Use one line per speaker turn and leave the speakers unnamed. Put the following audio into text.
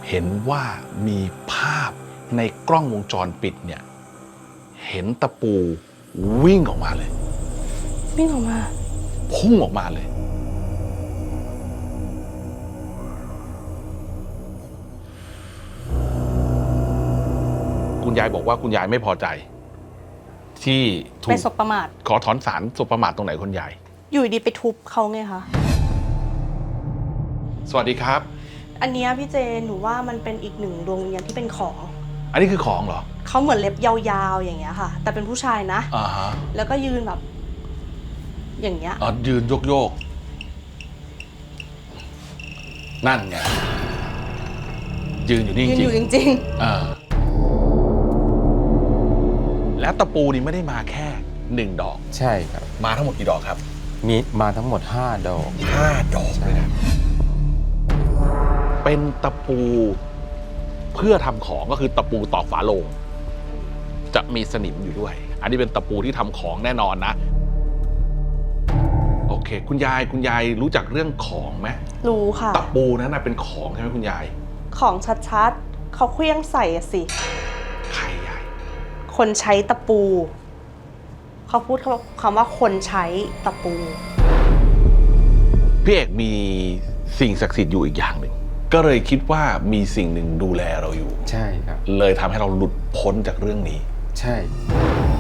เห็นว่ามีภาพในกล้องวงจรปิดเนี่ยเห็นตะปูวิ่งออกมาเลย
วิ่งออกมา
พุ่งออกมาเลยคุณยายบอกว่าคุณยายไม่พอใจที่ถูก
ไปสบประมาท
ขอถอนศาลสบประมาทตรงไหนคุณยาย
อยู่ดีไปทุบเขาไงคะ
สวัสดีครับ
อันนี้พี่เจหนูว่ามันเป็นอีกหนึ่งดวงวิญญาณที่เป็นของ
อันนี้คือของเหรอ
เขาเหมือนเล็บยาวๆอย่างเงี้ยค่ะแต่เป็นผู้ชายนะแล้วก็ยืนแบบอย่างเงี้ย
ยืนโยกนั่นไงยืนอยู่นี่จริง
ยืนอยู่จริง
และตะปูนี่ไม่ได้มาแค่1 ดอก
ใช่ครับ
มาทั้งหมดกี่ดอกครับ
มีมาทั้งหมด5 ดอก
5 ดอกเลยนะเป็นตะปูเพื่อทำของก็คือตะปูตอกฝาโลงจะมีสนิมอยู่ด้วยอันนี้เป็นตะปูที่ทำของแน่นอนนะโอเคคุณยายรู้จักเรื่องของไหม
รู้ค่ะ
ตะปูนั้นเป็นของใช่ไหมคุณยาย
ของชัดๆเขาเคลี้ยงใส่สิ
ใครยาย
คนใช้ตะปูเขาพูดคำว่าคนใช้ตะปู
พี่เอกมีสิ่งศักดิ์สิทธิ์อยู่อีกอย่างหนึ่งก็เลยคิดว่ามีสิ่งหนึ่งดูแลเราอยู่
ใช่ครับ
เลยทำให้เราหลุดพ้นจากเรื่องนี้
ใช่